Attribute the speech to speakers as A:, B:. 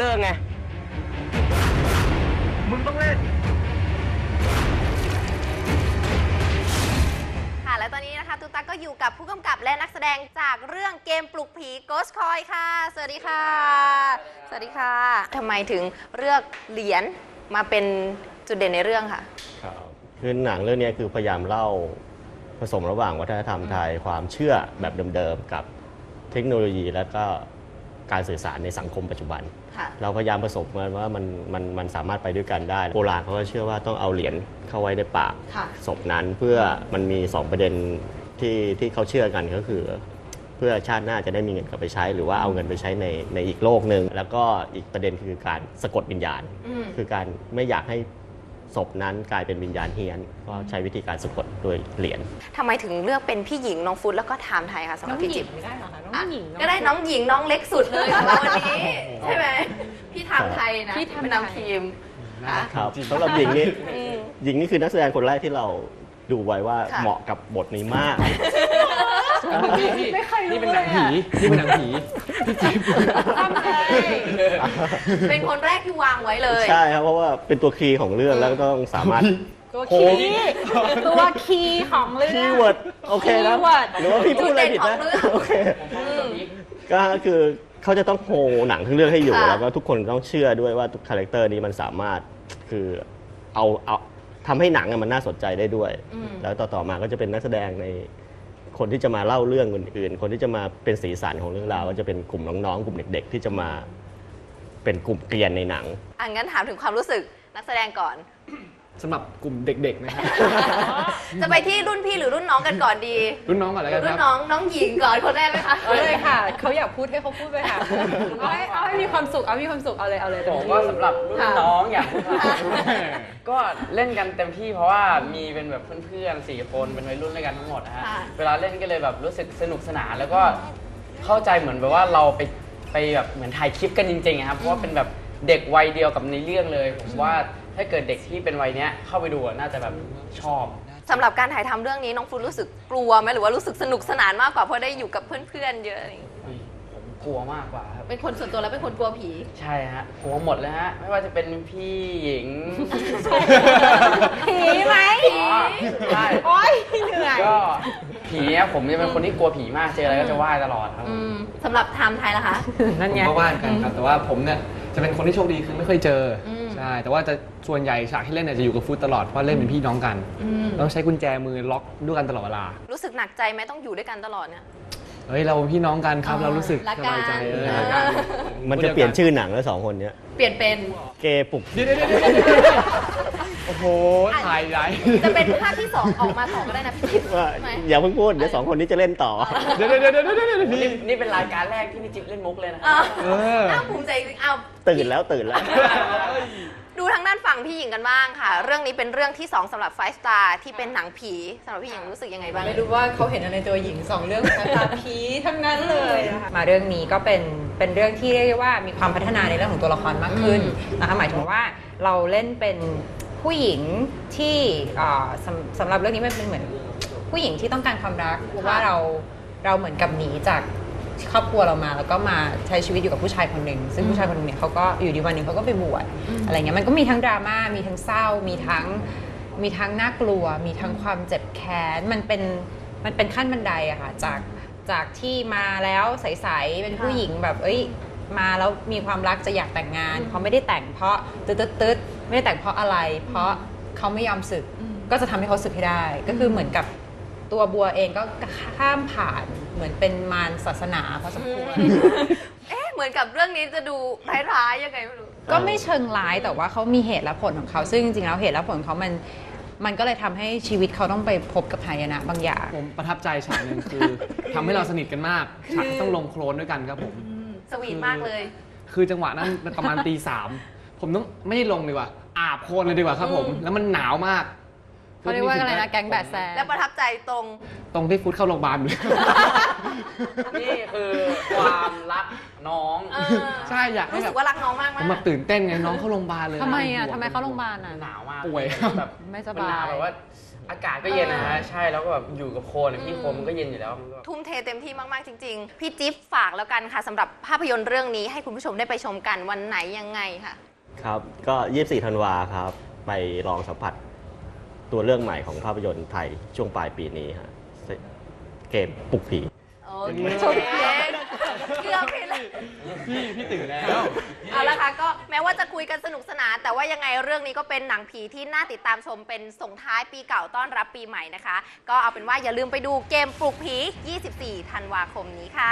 A: อร์ไงมึงต้องเล่น
B: ค่ะและตอนนี้นะคะตุ๊กตาก็อยู่กับผู้กำกับและนักแสดงจากเรื่องเกมปลุกผี Ghost Coin ค่ะสวัสดีค่ะสวัสดีค่ะทำไมถึงเลือกเหรียญมาเป็นจุดเด่นในเรื่องค่ะ
C: คือหนังเรื่องนี้คือพยายามเล่าผสมระหว่างวัฒนธรรมไทยความเชื่อแบบเดิมๆกับเทคโนโลยีแล้วก็การสื่อสารในสังคมปัจจุบันเราพยายามผสมกันว่ามันสามารถไปด้วยกันได้โบราณเขาก็เชื่อว่าต้องเอาเหรียญเข้าไว้ในปากศพนั้นเพื่อมันมี2ประเด็นที่เขาเชื่อกันก็คือเพื่อชาติหน้าจะได้มีเงินกลับไปใช้หรือว่าเอาเงินไปใช้ในอีกโลกหนึ่งแล้วก็อีกประเด็นคือการสะกดวิญญาณคือการไม่อยากให้ศพนั้นกลายเป็นวิญญาณเฮี้ยนก็ใช้วิธีการสะกดโดยเหรียญ
B: ทำไมถึงเลือกเป็นพี่หญิงน้องฟุตแล้วก็ไทม์ไทยคะสำหรับพี่จิ๊บ
D: ไม่ได้หรอคะน้องหญิง
B: ก็ได้น้องหญิงน้องเล็กสุดเลยของเราวันนี้ใช่ไหมพี่ไทม์ไทยนะเป็นนำทีม
C: ครับสำหรับหญิงนี่คือนักแสดงคนแรกที่เราดูไว้ว่าเหมาะกับบทนี้มาก
D: นี่เป็นหนังผีนี่เป็นหนังผีพี่จิ๊บ
B: เป็นคนแรกที่วางไว้เลย
C: ใช่ครับเพราะว่าเป็นตัวคีย์ของเรื่องแล้วก็ต้องสามารถ
D: ตัวคีย์ของเรื่อง
C: คีย์เวิร์ดโอเคนะหรือว่าพี่พูดอะไรผิดนะโอเคก็คือเขาจะต้องโฮหนังทั้งเรื่องให้อยู่แล้วก็ทุกคนต้องเชื่อด้วยว่าทุกคาแรคเตอร์นี้มันสามารถคือเอาทำให้หนังมันน่าสนใจได้ด้วยแล้วต่อมาก็จะเป็นนักแสดงในคนที่จะมาเล่าเรื่องอื่นๆคนที่จะมาเป็นสีสันของเรื่องราวก็จะเป็นกลุ่มน้องๆกลุ่มเด็กๆที่จะมาเป็นกลุ่มเกรียนในหนัง
B: งั้นถามถึงความรู้สึกนักแสดงก่อน
D: สำหรับกลุ่มเด็กๆนะครับ
B: จะไปที่รุ่นพี่หรือรุ่นน้องกันก่อนดี
D: รุ่นน้องก่อนแล้วกันครับ
B: รุ่นน้องหญิงก่อนคนแรกเลยค่ะ
D: เลยค่ะเขาอยากพูดให้เขาพูดไปค่ะเอาให้มีความสุขเอาเลย
A: ผมก็สำหรับรุ่นน้องอยากพูดก็เล่นกันเต็มที่เพราะว่ามีเป็นแบบเพื่อนๆ4 คนเป็นวัยรุ่นด้วยกันทั้งหมดนะฮะเวลาเล่นก็เลยแบบรู้สึกสนุกสนานแล้วก็เข้าใจเหมือนแบบว่าเราไปแบบเหมือนถ่ายคลิปกันจริงๆครับเพราะว่าเป็นแบบเด็กวัยเดียวกับในเรื่องเลยผมว่าถ้าเกิดเด็กที่เป็นวัยนี้เข้าไปดูน่าจะแบบชอบ
B: สำหรับการถ่ายทำเรื่องนี้น้องฟุตรู้สึกกลัวไหมหรือว่ารู้สึกสนุกสนานมากกว่าเพราะได้อยู่กับเพื่อนๆเยอะ
A: ผมกลัวมากกว่าครับ
B: เป็นคนส่วนตัวแล้วเป็นคนกลัวผี
A: ใช่ฮะกลัวหมดเลยฮะไม่ว่าจะเป็นพี่หญิง
B: ผีไหม
A: ใช่
B: โอ๊ยเหนื่อย
A: ก็ผีผมจะเป็นคนที่กลัวผีมากเจออะไรก็จะไหว้ตลอดครับ
B: สำหรับไทม์ไทยล่ะคะ
D: นั่นไง
E: ก็ไหว้กันครับแต่ว่าผมเนี่ยจะเป็นคนที่โชคดีคือไม่ค่อยเจอใช่แต่ว่าจะส่วนใหญ่ฉากที่เล่นเนี่ยจะอยู่กับฟุตตลอดเพราะเล่นเป็นพี่น้องกันต้องใช้กุญแจมือล็อกด้วยกันตลอดเวลา
B: รู้สึกหนักใจไหมต้องอยู่ด้วยกันตลอดเนี่ย
E: เฮ้ยเราเป็นพี่น้องกันครับเรารู้สึกสบายใจ
C: มันจะเปลี่ยนชื่อหนังแล้ว2 คนนี้
B: เปลี่ยนเป็น
C: เกย์ปลุก
E: โอ้โหถ่ายใหญ่
B: จะเป็นภาคที่2ออกมาต่อก็ได้นะพี่จิ๊บ
C: อย่าเพิ่งพูดเดี๋ยว2 คนนี้จะเล่นต่อ
E: เดี๋ยว
A: นี่เป็นรายการแรกที่พี่จิ๊บเล่นมุกเลยนะ
B: น่าภูมิใจจริงเอา
C: ตื่นแล้ว
B: ดูทางด้านฝั่งพี่หญิงกันบ้างค่ะเรื่องนี้เป็นเรื่องที่2สำหรับไฟสตาร์ที่เป็นหนังผีสำหรับพี่หญิงรู้สึกยังไงบ้าง
D: ไม่รู้ว่าเขาเห็นอะไรในตัวหญิง2เรื่องไฟสตาร์ผีทั้งนั้นเลยนะคะมาเรื่องนี้ก็เป็นเรื่องที่เรียกว่ามีความพัฒนาในเรื่องของตัวละครมากขึ้นนะคะหมายถึงว่าเราเล่นเป็นผู้หญิงที่สำหรับเรื่องนี้มันเป็นเหมือนผู้หญิงที่ต้องการความรักเพราะว่าเราเหมือนกับหนีจากครอบครัวเรามาแล้วก็มาใช้ชีวิตอยู่กับผู้ชายคนหนึ่งซึ่งผู้ชายคนหนึ่งเนี่ยเขาก็อยู่ดีวันหนึ่งเขาก็ไปบวชอะไรเงี้ยมันก็มีทั้งดราม่ามีทั้งเศร้ามีทั้งน่ากลัวมีทั้งความเจ็บแค้นมันเป็นขั้นบันไดอะค่ะจากที่มาแล้วใสๆเป็นผู้หญิงแบบมาแล้วมีความรักจะอยากแต่งงานเขาไม่ได้แต่งเพราะตึ๊ดไม่ได้แต่งเพราะอะไรเพราะเขาไม่ยอมสึกก็จะทำให้เขาสึกให้ได้ก็คือเหมือนกับตัวบัวเองก็ข้ามผ่านเหมือนเป็นมารศาสนาพอสมควร
B: เหมือนกับเรื่องนี้จะดูร้ายๆยังไงไม่รู้
D: ก็ไม่เชิงร้ายแต่ว่าเขามีเหตุและผลของเขาซึ่งจริงๆแล้วเหตุและผลของเขามันก็เลยทำให้ชีวิตเขาต้องไปพบกับหายนะบางอย่าง
E: ผมประทับใจฉากนึงคือทำให้เราสนิทกันมากฉากต้องลงโคลนด้วยกันครับผม
B: สวีทมากเลย
E: คือจังหวะนั้นประมาณตี 3ผมต้องไม่ลงดีกว่าอาบโคลนเลยดีกว่าครับผมแล้วมันหนาวมาก
D: เขาเรียกว่าอะไรนะแก๊งแบดแซ
B: และประทับใจตรง
E: ตรงที่ฟุตเข้าโรงพยาบาลอยู่
A: นี่คือความรักน้อง
E: ใช่อยากให้
B: รู้
E: แบ
B: สึ
E: บ
B: กว่ารักน้องมาก
E: ผมแบบตื่นเต้นไงน้องเข้าโรงพยาบาลเลย
D: ทำไมอ่ะ
E: ห่วง
D: ทำไมเขาโรงพยาบาลอ่ะ
A: หนาวมาก
E: ป่วย
A: แบบ
D: ไม่ส
A: มัน
D: บา
A: หนาวย แบบว่าอากาศก็เย็นนะฮะใช่แล้วก็แบบอยู่กับโคลนอะพี่โคลนมันก็เย็นอยู่แล้วมันก็
B: ทุ่มเทเต็มที่มากๆจริง ๆ พี่จิ๊บฝากแล้วกันค่ะสำหรับภาพยนตร์เรื่องนี้ให้คุณผู้ชมได้ไปชมกันวันไหนยังไงค่ะ
C: ครับก็ 24 ธันวาครับ ไปลองสัมผัสตัวเรื่องใหม่ของภาพยนตร์ไทยช่วงปลายปีนี้ฮะเกมปลุกผี
B: โอเคชมเล็กเกือบผิดเลย
E: พี่ตื่นแล้ว
B: เอาละค่ะก็แม้ว่าจะคุยกันสนุกสนานแต่ว่ายังไงเรื่องนี้ก็เป็นหนังผีที่น่าติดตามชมเป็นส่งท้ายปีเก่าต้อนรับปีใหม่นะคะ ก็เอาเป็นว่าอย่าลืมไปดูเกมปลุกผี 24 ธันวาคมนี้ค่ะ